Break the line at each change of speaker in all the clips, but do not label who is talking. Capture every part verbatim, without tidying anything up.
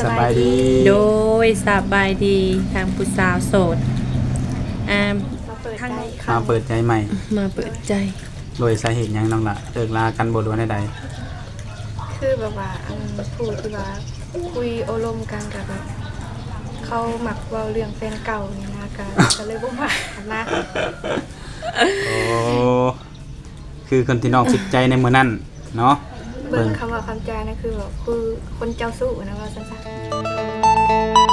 สบายดี
โดยสบายดีทางผู้สาวโสดอ่า
มาเปิด
ทาง
ใจ
มาเปิดใจใหม่
มาเปิดใจ
โดยสาเหตุหยังน้องละเลิกลากันบ่รู้ใด
คือแบบว่าอันผู้ที่ว่าคุยโอลมกันกับแบบเขาหมักเว่าเรื่องแฟนเก่านี่นะกันก็เลยบ่มากันนะ
ๆโอ้คือคนที่น้องคิดใจในมื้อนั้นเนาะ
เบิ่งคำว่าคำจานะคือแบบคือคนเจ้าสู้นะว่าสั้น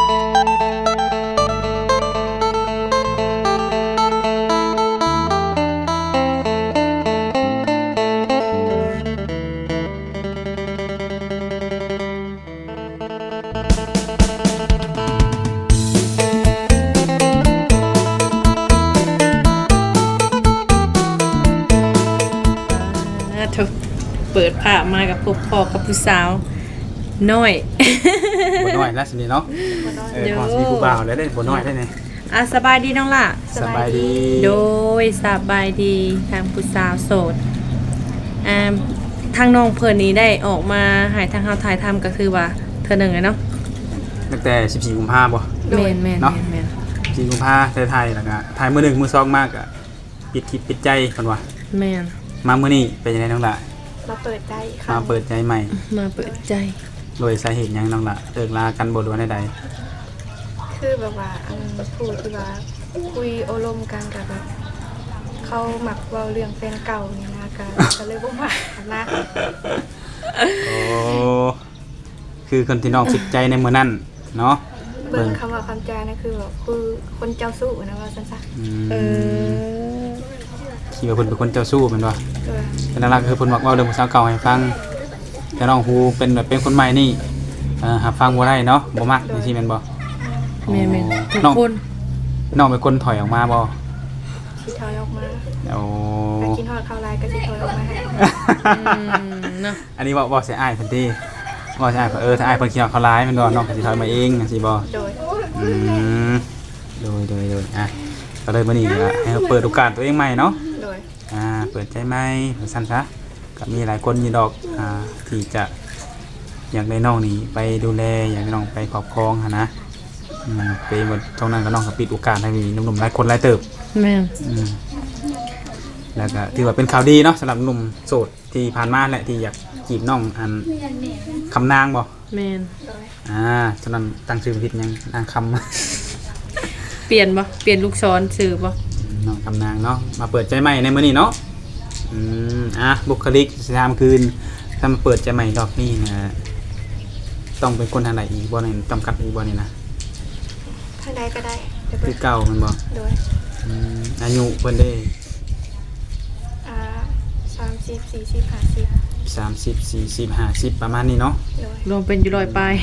อ่าถูกเปิดภาพมากับพบพ่อกับผู้สาวน้อย
บ่น้อยแล้วสินี่เนาะ
ๆบ่น้อย
เออพอสิมีผู้บ่าวแล้วได้บ่น้อยได้ไง
อ่ะสบายดีน้องล่ะ
สบายดี
โดยสบายดีทางผู้สาวโสดอ่าทางน้องเพิ่นนี้ได้ออกมาหายทางเฮาถ่ายทำก็คือว่าเธอหนึ่งเลยเนาะ
ตั้งแต่สิบสี่กุมภาพันธ์บ่
แม่นแม่น
เนาะ
แม่นแม่น
สิบสี่กุมภาพันธ์ไทยๆแล้วก็ถ่ายมื้อหนึ่งมื้อสองมากก็ปิดคลิปปิดใจเพิ่นว่า
แม่น
มามื้อนี้เป็นยังไงน้องละ
มาเปิดใจค่ะ
มาเปิดใจใหม่
มาเปิดใจ
โดยสาเหตุหยังน้องละเลิกลากันบ่รู้ใด
คือแบบว่าอันผู้ที่ว่าคุยโอลมกันกับแบบเขาหมักเว่าเรื่องแฟนเก่านี่นะกันก็เลยบ่มากันนะ
ๆโอ้คือคนที่น้องคิดใจในมื้อนั้นเนาะ
เบิ่งคำว่าคำจานะคือแบบคือคนเจ้าสู้นะว่าสั้น
อื
เอ
ม
อ
คิดว่าเพิ่นเป็นคนเจ้าสู้แม่นบ่
ๆเออ
เป็นหลักๆคือเพิ่นบอกเว่าเรื่องผู้สาวเก่าให้ฟังแต่น้องฮูเป็นแบบเป็นคนใหม่นี่เอ่อหับฟังบ่ได้เนาะบ่มักจังซี่แม่นบ่
แม่นแม่นทุก
น้อง
คน
น้องเป็นคนถอยออกมาบ่
ที่ถอยออกมา
โอ้
ไปกินทอดข้าวไรก็ที่ถอยออกมาให้
อืมเนาะ
อันนี้บ่บ่สิอ้ายเพิ่นติบ่สิอ้ายเพิ่นเออถ้าอ้ายเพิ่นคิดว่าเขาร้ายแม่นบ่น้องก็สิถอยมาเองจังซี่บ่
โดย
อืมโดยโดยโดยอ่ะก็เลยมื้อนี้ก็ให้เราเปิดโอกาสตัวเองใหม่เนาะ
โดย
อ่าเปิดใจใหม่ว่าซั่นซะก็มีหลายคนอยู่ดอกอ่าที่จะอยากได้น้องนี่ไปดูแลอยากได้น้องไปครอบครองหั่นนะอืมไปหมดตรงนั้นก็น้องก็ปิดโอกาสให้มีหนุ่มๆหลายคนหลายเติบ
แม่น
อืมแล้วก็ถือว่าเป็นข่าวดีเนาะสำหรับหนุ่มโสดที่ผ่านมาแหละที่อยากจีบน้องอันคำนางบ่
แม่น
โดย
อ่าฉะนั้นตั้งชื่อผิดยังนางคำ
เปลี่ยนบ่เปลี่ยนลูกศรสื่อบ่
น้องคำนางเนาะมาเปิดใจใหม่ในมื้อนี้เนาะอืมอ่ะบุคลิกสามคืนถ้ามาเปิดใจใหม่รอบนี้นะต้องเป็นคนทางไหนอีกบ่เนี่ยจำกัดอีกบ่เนี่ยนะ
ทางใดก็ได้เดี๋ยว
คื
เปิ
อ
ด
เก่ามันบ่
โดย
อืมอายุเพิ่นได้
อ่าสามสิบสี่สิบห้าสิบ
สามสิบ สี่สิบ ห้าสิบประมาณนี้เนาะ
โดย
รวมเป็นอยู่ร้อยปลาย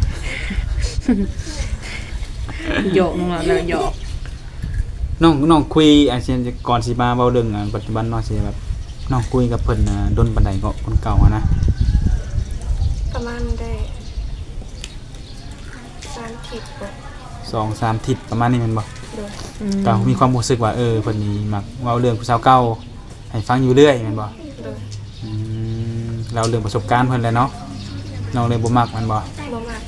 หยอกน้องล่ะแล้วหยอก
น้องน้องคุยอาเซียนก่อนสิมาเว้าเรื่องอ่ะปัจจุบันเนาะสิแบบน้องคุยกับเพิ่นน่ะดนปานใดก็คนเก่าอะนะ
ประมาณได้สามทิศบ่
สองสามทิศประมาณนี้แม่นบ่
โดย
อืม
ก็มีความรู้สึกว่าเออเพิ่นนี่มักเว้าเรื่องผู้สาวเก่าให้ฟังอยู่เรื่อยแม่นบ่
โดย
อืมเราเรื่องประสบการณ์เพิ่นแหละเนาะน้องเลยบ่มักแม่นบ่
บ่มาก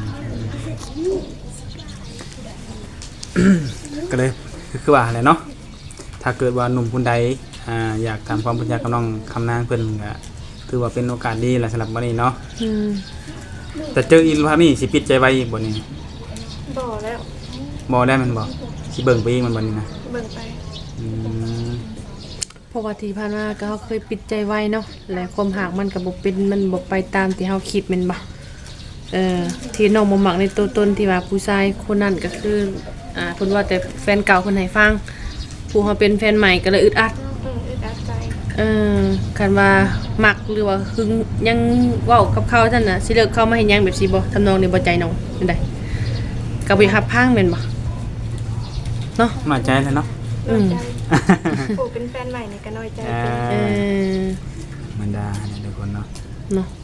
ก็เลยคือคือว่าแหละเนาะถ้าเกิดว่าหนุ่มคนใดอ่าอยากทำความรู้จักกับน้องคำนางเพิ่นก็ถือว่าเป็นโอกาสดีแหละสำหรับมื้อนี้เนาะ
อืม
แต่เจออีกภาพนี้สิปิดใจไว้อีกบ่นี่
บ่แล้ว
บ่ได้แมันบ่สิเบิ่งไปอีกมันบ่นี่นะ
เบิ่งไป
อืม
เพราะว่าที่ผ่านมาก็เฮาเคยปิดใจไว้เนาะและความหากมันก็บ่เป็นมันบ่ไปตามที่เฮาคิดแม่นบ่เอ่อที่น้องบ่มักในตัวตนที่ว่าผู้ชายคนนั้นก็คืออ่าเพิ่นว่าแต่แฟนเก่าเพิ่นให้ฟังผู้เฮาเป็นแฟนใหม่ก็เลยอึดอัด
อืมอึดอัดใจ
เออคันว่ามักหรือว่าหึงยังเว้ากับเขาท่านน่ะสิเลิกเข้ามาเฮ็ดหยังแบบสิบ่ทำนองนี้บ่ใจน้องเป็นไดก็บ่ฮับพังแม่นบ่เนาะ
น้อยใจแล้วเนาะ
น้อยใจผู้เป็นแฟนใหม่นี่ก็น้อยใจ
อ่า
เป็น
เออ
มันดาเนี่ยทุกคนเนาะ
เนาะ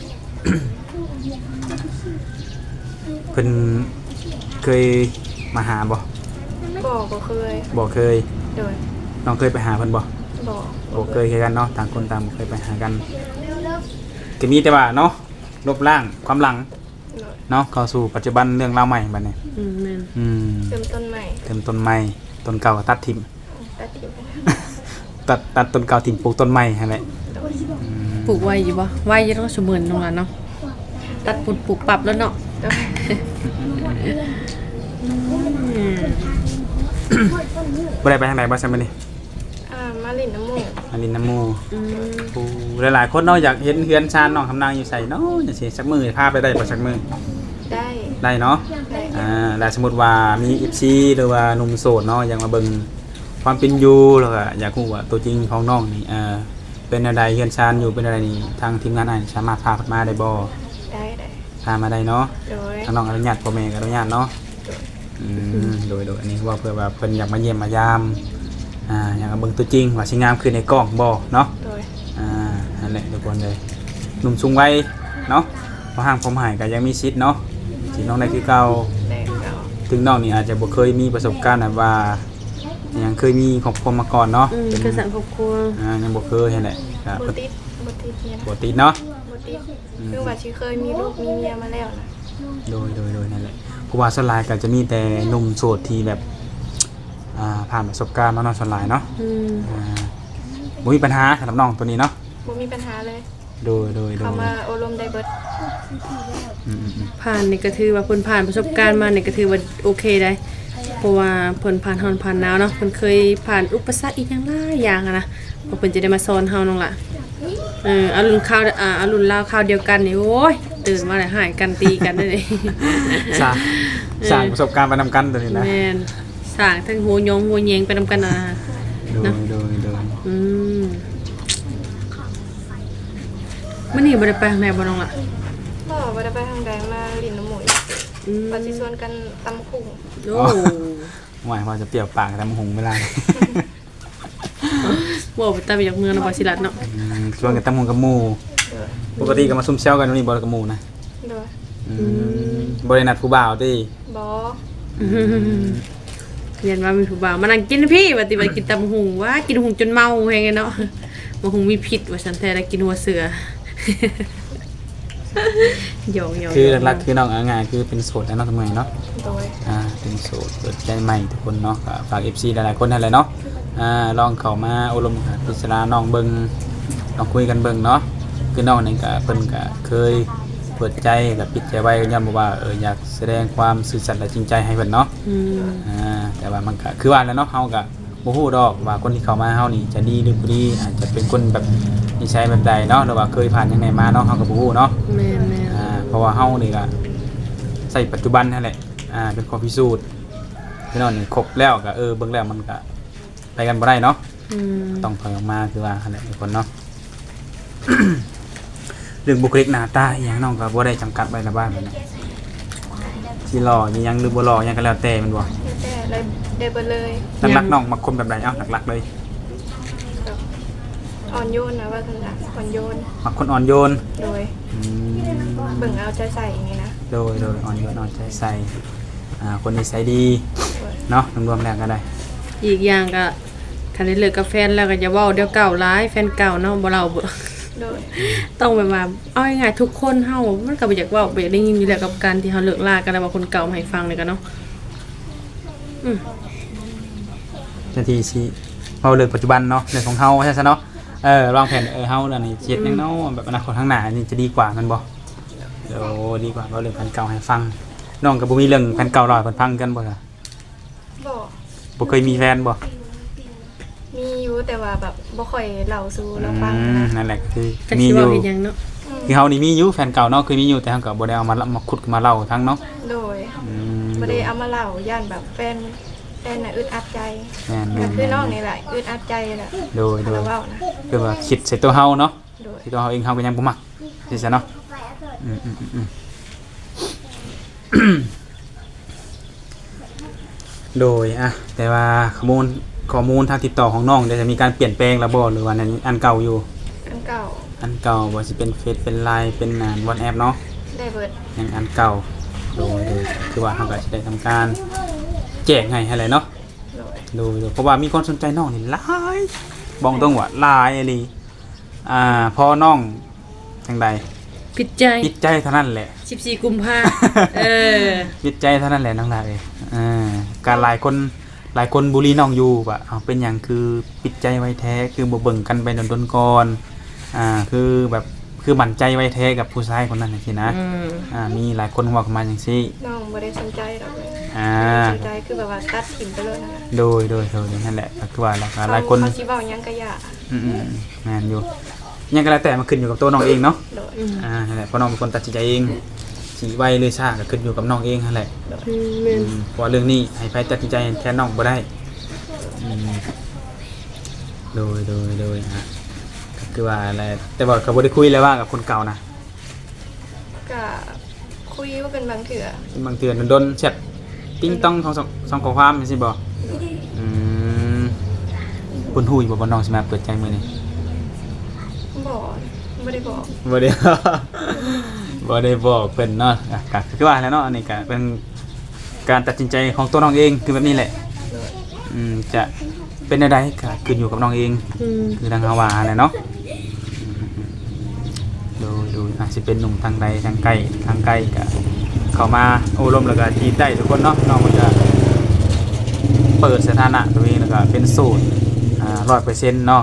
เพิ่นเคยมาหาบ่
บ่บ่เคย
บ่เคย
โดย
น้องเคยไปหาเพิ่นบ่
บ่
บ่เคยคือกันเนาะต่างคนต่างบ่เคยไปหากันก็มีแต่ว่าเนาะลบล้างความหลัง
โดย
เนาะเข้าสู่ปัจจุบันเรื่องราวใหม่บัดนี้
อืมแม่น
อืม
เริ่มต้นใหม่
เติมต้นใหม่ต้นเก่าก็ตัดทิ่ม
ตัดทิ้ง
ตัดตัดต้นเก่าทิ่มปลูกต้นใหม่หั่นแหละ
โดย
อืม
ปลูกไว้อยู่บ่ไว้อยังต้องสมบูรณ์ตรงนั้นเนาะตัดปุดปลูกปรับแล้วเนาะ
โดย
อืม
บ่ได้ไปทางใดบ่ซั่นบัดนี้
อ่ามาลินน้ำมูก
อันนี้น้ำหมู่
อืม
ผู้หลายๆคนเนาะอยากเห็นเฮือนชานน้องคำนางอยู่ไสเนาะจังซี่สักมื้อพาไปได้บ่สักมื้อ
ได้
ได้เนาะ
ได้
อ่าแล้วสมมุติว่ามี เอฟ ซี หรือว่าหนุ่มโสดเนาะอยากมาเบิ่งความเป็นอยู่แล้วก็อยากรู้ว่าตัวจริงของน้องนี่เอ่อเป็นอะไรเฮือนชานอยู่เป็นอะไรนี่ทางทีมงานอ้ายสามารถพาเพิ่นมาได้บ่
ได้ได้
พามาได้เนาะ
โดย
ทางน้องอนุญาตพ่อแม่ก็อนุญาตเนาะอืมโดยโดยอันนี้ว่าเพื่อว่าเพิ่นอยากมาเยี่ยมมายามอ่าอยากมาเบิ่งตัวจริงว่าสิงามคือในกล้องบ่เนาะ
โดย
อ่านั่นแหละทุกคนเลยหนุ่มสูงวัยเนาะพอห่างผมหายก็ยังมีสิทธิ์เนาะสิน้องได้คือเก่า
ได้เก่า
ถึงน้องนี่อาจจะบ่เคยมีประสบการณ์แบบว่ายังเคยมีครอบครัวมาก่อนเนาะ
อืมคือสังครอบครัว
อ่ายังบ่เคยนั่นแหละก็
บติดบติดเนี่ยนะ
บ่ติดเนาะ
บติดคือว่าชีเคยมีลูกมีเมียมาแล้วนะ
โดยโดยโดยนั่นแหละเพราะว่าส่วนหลายก็จะมีแต่หนุ่มโสดที่แบบอ่าผ่านประสบการณ์มาเนาะส่วนหลายเนาะ
อืม
อ่าบ่มีปัญหาสำหรับน้องตัวนี้เนาะ
บ่มีปัญหาเลย
โดยโดยโด
เขา
ย
มาอบรมได้เบิด
อืมอืมอืม
ผ่านนี่ก็ถือว่าเพิ่นผ่านประสบการณ์มานี่ก็ถือว่าโอเคได้เพราะว่าเพิ่นผ่านร้อนผ่านหนาวเนาะเพิ่นเคยผ่านอุปสรรคอีกอย่างหลายอย่างอะนะเพราะเพิ่นจะได้มาสอนเฮาน้องล่ะเออเอารุ่นข้าวอ่าเอารุ่นราวข้าวเดียวกันนี่โอ้ยตื่นมาแล้วหายกันตีกันได้เลย
สร้างสร้างประสบการณ์ไปนำกันตัวนี้นะ
แม่นสร้างทั้งหัวยงหัวแยงไปนำกันนะ
โดยโดยโดย
อืมมื้อนี้บ่ได้ไปทางไหนบ่น้องล่ะ
พ่อบ่ได้ไปทางใดมาลินน้ำมูก
อืม
ปฏิชวนกันตำคุ่ง
โอ้
หมายว่าจะเปรี้ยวปากแต่มหงเวลา
บ่ไปตามไปจากเมืองนครศรีรัตน์เนาะ
อืมชวนกันตั้งหงกับหมู่
โดย
ปกติก็มาซุ่มเซลกันวันนี้บ่ได้กับหมู่นะ
โดย
อืมบ่ได้นัดผู้บ่าวติ
บอ
เรียนว่ามีผู้บ่าวมานั่งกินพี่ว่าติว่ากินตำหุงว่ากินหุงจนเมาแฮงไงเนาะบ่หุงมีพิษว่าฉันแท้ได้กินหัวเสือ หยอกๆ
คือหลักๆคือน้องอ่างานคือเป็นโสดแล้วเนาะทำไมเนาะ
โดย
อ่าเป็นโสดเปิดใจใหม่ทุกคนเนาะก็ฝาก เอฟ ซี หลายๆคนนั่นแหละเนาะอ่าลองเข้ามาอบรมพิจารณาน้องเบิ่งลองคุยกันเบิ่งเนาะคือน้องนี่ก็เพิ่นก็เคยเปิดใจกับปิดใจไว้ย้ำว่าเอออยากแสดงความซื่อสัตย์และจริงใจให้เพิ่นเนาะ
อืม
อ่าแต่ว่ามันก็คือว่าแล้วเนาะเฮาก็บ่ฮู้ดอกว่าคนที่เข้ามาเฮานี่จะดีหรือบ่ดีอาจจะเป็นคนแบบนิสัยแบบใดเนาะหรือว่าเคยผ่านจังไดมาเนาะเฮาก็บ่ฮู้เนาะ
แม่น
อ่าเพราะว่าเฮานี่ก็ใส่ปัจจุบันนั่นแหละอ่าเป็นข้อพิสูจน์พี่น้องนี่ครบแล้วก็เออเบิ่งแล้วมันก็ไปกันบ่ได้เนาะ
ๆอืม
ต้องถอยออกมาคือว่าหั่นแหละทุกคนเนาะ เรื่องบุคลิกหน้าตาอหย่างน้องก็บ่ได้จำกัดไว้ละบ้านแบบนี้สิหล่ออีหยังหรือบ่หล่ออีหยังก็แล้วแต่แมันบ่
แต่ได้ได้เบิดเลย
หลักๆน้องมักคนแบบใดเอ้าหลักๆเลย
แบบอ่อนโยนนะว่าซั่นล่ะอ่อนโยน
มักคนอ่อนโยน
โดย
อืม
เบิ่งเอาใจใส่อย่างนี้นะ
โดยโดยอ่อนโยนอ่อนใจใส่อ่าคนนิสัยดี
โดย
เนาะรวมๆแล้วก็ได้
อีกอย่างก็คันได้เลิกกับแฟนแล้วก็อย่าเว้าเดี๋ยวเก่าร้ายแฟนเก่าเนาะบ่เล่าบ่
โดย
ต้องแบบว่าเอาง่ายๆทุกคนเฮามันก็บ่อยากเว้าบ่อยากได้ยินอยู่แล้วกับการที่เฮาเลิกลากันแล้วว่าคนเก่ามาให้ฟังเลยกันเนาะอืม
นาทีสิเอาเรื่องปัจจุบันเนาะเรื่องของเฮาใช่ซะเนาะเออวางแผนเออเฮาอันนี้เฮ็ดหยังเนาะแบบอนาคตข้างหน้านี่จะดีกว่าแมันบ่เดี๋ยวดีกว่าเอาเรื่องแผนเก่าให้ฟังน้องก็บ่มีเรื่องแผนเก่าเล่าให้เพิ่นฟังกันบ่ล่ะ
บ่
บ่เคยมีแฟนบ่
มีอยู่แต่ว่าแบบบ่ค่อยเล่าสู่
อื
เราฟัง
ม
นะ
นั่นแหละคือ
จัก
มี
สิ
อ
เว้า
ยู่
เฮ็ดหยังเนาะ
คือเฮานี่มีอยู่แฟนเก่าเนาะเคยมีอยู่แต่เฮาก็บ่ได้เอามามาขุดมาเล่าทั้งเนาะ
โดย
อืม
บ่ได้เอามาเล่าย่านแบบแฟนแฟนน่ะอึดอัดใจ
แม่น
ก็
ๆ
คือน้องนี่แหละอึดอัดใจแหละ
โดยโดย
เราเว้านะ
คือว่าคิดใส่ตัวเฮาเนาะ
โดย
ที่ตัวเฮาเองเฮาก็ยังบ่มักสิซะเนาะอืมๆๆๆ โดยอะแต่ว่าข้อมูลข้อมูลทางติดต่อของน้องเดี๋ยวจะมีการเปลี่ยนแปลงแล้วบ่หรือว่านั้นอันเก่าอยู่
อันเก่า
อันเก่าบ่สิเป็นเฟซเป็น ไลน์ เป็นอ่า WhatsApp เนาะ
ได้เบิด
ยังอันเก่าโดยโดยคือว่าเฮาก็สิได้ทำการแจ้งให้ให้แหละเนาะ
โดย
โดยโดยเพราะว่ามีคนสนใจน้องนี่หลายบอกตรงว่าหลายอีหลีอ่าพอน้องจังใด
ปิดใจ
ปิดใจเท่านั้นแหละ
สิบสี่กุมภาเออ
ปิดใจเท่านั้นแหละน้องลาเอ้ยอ่าการหลายคนหลายคนบุรีน้องอยู่ว่าเอาเป็นหยังคือปิดใจไว้แท้คือบ่เบิ่งกันไปดนๆก่อนอ่าคือแบบคือมั่นใจไว้แท้กับผู้ชายคนนั้นจังซี่นะ
อืม
อ่ามีหลายคนเว้ากันมาจังซี่
น้องบ่ได้สนใจดอกเลย
อ่า
สนใจคือแบบว่าตัดถิ่นไปเลยนั่นน่ะ
โดยโดยโดยนั่นแหละก็คือว่าหลายหลายคน
เขาสิเว้าหยังก็อย่า
อืมๆแม่นอยู่ยังก็แล้วแต่มันขึ้นอยู่กับตัวน้องเองเนาะ
โดย
อืม
อ่านั่นแหละเพราะน้องเป็นคนตัดสินใจเองสิไวหรือช้าก็ขึ้นอยู่กับน้องเองนั่นแหละ
อืมแม่น
อืมเพราะว่าเรื่องนี้ให้ไผตัดสินใจแทนน้องบ่ได้อืมโดยโดยโดยฮะก็คือว่าอะไรแต่ว่าก็บ่ได้คุยเลยว่ากับคนเก่านะ
ก็คุยว่าเป็นบางเถื่อบ
างเทื่อโดนๆแชทติ้งต้องสองสองสองข้อความจังซี่บ่อืมเพิ่นฮู้อยู่บ่ว่าน้องสิมาเปิดใจมื้อนี้
บอกบ่ได้บอก
บ่ได้ บ่ได้บอกเพิ่นเนาะอ่ะก็คือว่าแล้วเนาะอันนี้ก็เป็นการตัดสินใจของตัวน้องเองคือแบบนี้แหละ
โดย
อืมจะเป็นอะไรก็ขึ้นอยู่กับน้องเอง
อืม
คือทางฮาวาแหละเนาะดูดูอาจจะเป็นหนุ่มทางใดทางใกล้ทางใกล้ก็เข้ามาโอ้ลมแล้วก็จีบได้ทุกคนเนาะน้องมันจะเปิดสถานะตัวเองแล้วก็เป็นโสดอ่าร้อยเปอร์เซ็นต์เนาะ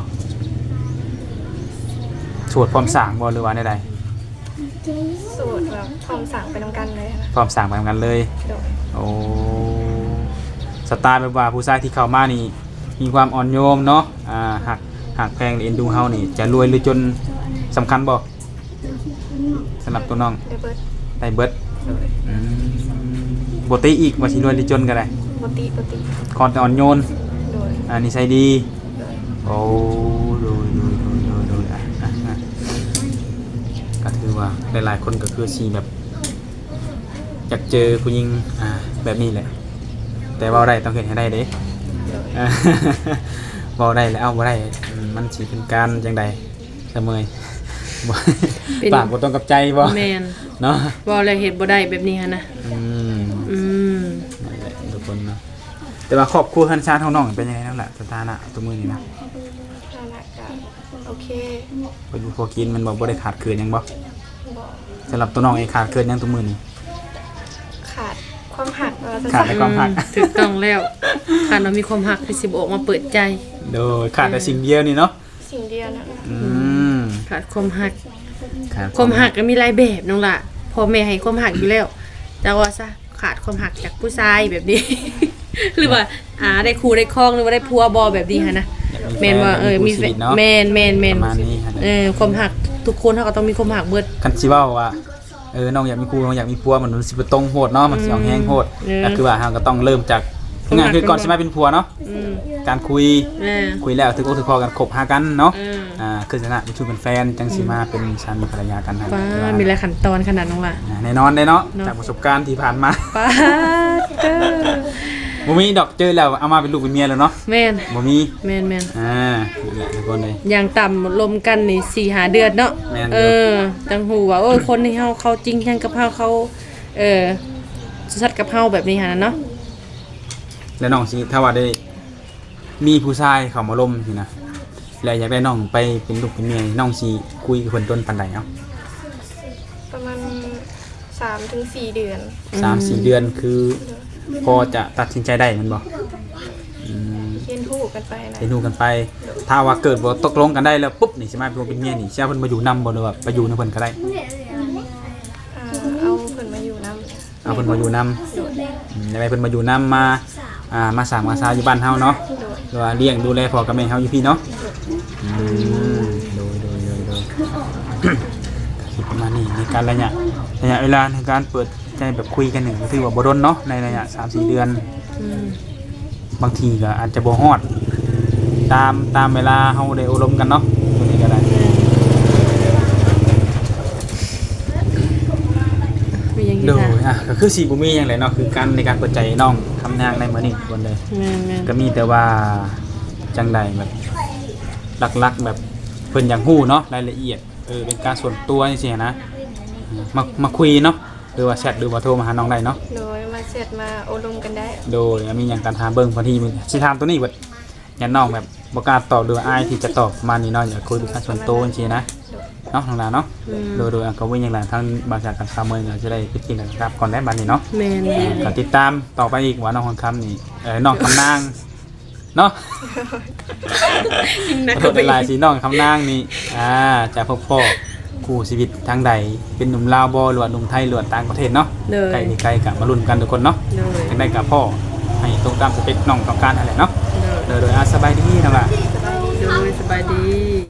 โสดพร้อมสร้างบ่หรือว่าใด
สูตรแบบพร้อมสั่งไปนำกันเลยนะ
ๆพร้อมสร้างไปเหมือนกันเลย
โดย
โอ้สไตล์แบบว่าผู้ชายที่เข้ามานี่มีความอ่อนโยมเนาะอ่าหักหักแพงเอ็นดูเฮานี่จะรวยหรือจนสำคัญบ่สำหรับตัวน้อง
ได้เบิด
ได้เบิด
โดย
อืมบ่ติอีกว่าสิรวยหรือจนก็ได้
ปกติปกติ
คอนแต่อ่อนโยน
โดย
อ่านิสัยดี
โดย
โอ้ดูดูดูดูดูอ่ะอ่ะอ่ะก็ถือว่าหลายๆคนก็คือสิแบบอยากเจอผู้หญิงอ่าแบบนี้แหละ แต่ว่าได้ต้องเห็นให้ได้เด้
โดย
อ่า บ่ได้แล้วเอาบ่ได้อืมมันสิเป็นการจังใดเสมอบ่
เป็น
ปากบ่ตรงกับใจบ่
แม่น
เนาะ
เว้าแล้วเฮ็ดบ่ได้แบบนี้หั่นนะ
อืม
อืม
นั่นแหละทุกคนเนาะแต่ว่าครอบครัวคันชาติของน้องเป็นยังไงนั่นแหละสถานะตัวมือนี่นะ
ฐานะก็โอเค
เพิ่นพอกินมันบ่บ่ได้ขาดเกินหยังบ่
บอก
สำหรับตัวน้องเองขาดเกินหยังตัวมือนี่
ขาดความหักเราจะ
ขาดในความหัก
อืถูกต้องแล้วถ้าเรามีความหักที่สิบออกมาเปิดใจ
โดยขาดแต่สิ่งเดียวนี่เนาะ
สิ่งเดียวนะ
อืม
ขาดความหัก
ขาด
ความหักก็มีหลายแบบน้องล่ะพ่อแม่ให้ความหักอยู่แล้วแต่ว่าซะขาดความหักจากผู้ชายแบบนี้ หรือว่าอ่าได้ครูได้ครองหรือว่าได้ผัวบอแบบนี้ฮะนะแม่นว่าเออมีแฟนแม่นแม่นแม่น
ประมาณนี้ฮะ
เออความหักทุกคนเขาก็ต้องมีความหักเบิด
คันสิเว้าว่าเออน้องอยากมีครูน้องอยากมีผัวมันสิบ่ตรงโหดเนาะมันสิเอาแห้งโหด
เออ
ก็คือว่าเราก็ต้องเริ่มจากงานคือก่อนสิมาเป็นผัวเนาะ
อืม
การคุย
เออ
คุยแล้วถึงอกถึงคอกันคบหากันเนาะ
เออ
อ่าคือชนะเป็นชูเป็นแฟนจังสีมาเป็นสามีภรรยากันนะ
ป้ามีหลายขั้นตอนขนาดน้องล่ะ
อ่าแน่นอนได้เนาะ
เนาะ
จากประสบการณ์ที่ผ่านมา
ป้าเด้อ
บ่มีดอกเจอแล้วเอามาเป็นลูกเป็นเมียแล้วเนาะ
แม่น
บ่มี
แม่นแม่น
อ่านี่แหละทุกคนเลย
อย่างต่ำลมกันนี่สี่หาเดือนเนาะ
แม่นอยู่
เออจังหูว่าโอ้ยคนที่เฮาเขาจริงจังกับเฮาเขาเออสัตว์กับเฮาแบบนี้หานะเนาะ
แล้วน้องสิถ้าว่าได้มีผู้ชายเข้ามาล้มสินะแล้วอยากได้น้องไปเป็นลูกเป็นเมียน้องสิคุยกับเพิ่นต้นปานใดเนาะ
ประมาณสามถึงสี่เดือน
สามสี่เดือนคือพอจะตัดสินใจได้แมันบ่อืม
เรียนรู้กันไปนะ
ไปดูกันไป ถ้าว่าเกิดบ่ตกลงกันได้แล้วปุ๊บนี่สิมาเป็นเป็นเมียนี่สิเอาเพิ่นมาอยู่นำบ่หรือว่าไปอยู่นำเพิ่นก็ได้
อ่าเอาเพิ่นมาอยู่นำ
เอาเพิ่นมาอยู่นำอืมได้ไปเพิ่นมาอยู่นำมาอ่ามาสร้างมาซาอยู่บ้านเฮาเนาะ
โดย
หรือว่าเลี้ยงดูแลพ่อกับแม่เฮาอยู่พี่เนาะอืมโดยโดยโดยโดย คิดประมาณนี้ในการระยะระยะเวลาในการเปิดใจแบบคุยกันนี่ก็ถือว่าบ่ดนเนาะในระยะ สามสี่ เดือน
อืม
บางทีก็อาจจะบ่ฮอดตามตามเวลาเฮาได้อบรมกันเนาะตรงนี้ก็ได้
มีอย่าง
โด
นี้
ย
ค่ะ
อ่ะก็คือสีบุมีอย่างไรเนาะคือการในการเปิดใจน้องทำงานในมื้อนี้คนเลย
แม่นแม่น
ก็มีแต่ว่าจังใดแบบหลักๆแบบเพิ่นอยากฮู้เนาะรายละเอียดเออเป็นการส่วนตัวจังซี่นะอืมมามาคุยเนาะหรือว่าแชทหรือว่าโทรมาหาน้องได้เนาะ
โดยมาเสร็จมาอบรมกันได้
โดยมีหยังการถามเบิ่งพอทีมึงสิถามตัวนี้เบิดอย่าน้องแบบบ่กล้าตอบหรือว่าอายที่จะตอบประมาณนี้เนาะอย่าคุยเป็นการส่วนตัวจังซี่นะ
โดย
เนาะน้องลาเนาะ
อืม
โดยโดยก็วิ่งอย่างไรทั้งบริษัทกับชาวเมืองก็จะได้ไปกินกันครับก่อนได้บัดนี้เนาะ
แม่นแม่น
ก็ติดตามต่อไปอีกว่าน้องคนคำนี่เออน้องคำนางเนาะ
นะ
ขอโทษเป็นลายสีน้องคำนางนี่อ่าจะพบพ่อคู่ชีวิตทางใดเป็นหนุ่มลาวบ่หรือว่าหนุ่มไทยหรือว่าต่างประเทศเนาะ
เลย
ไกลนี่ไกลกับมาลุ้นกันทุกคนเนาะ
เลย
ทางใดกับพ่อให้ตรงตามสเปคน้องต้องการอะไรเนาะ
เลย
โดยโดยอาสบายดีน้องล่ะ
โดยสบายดี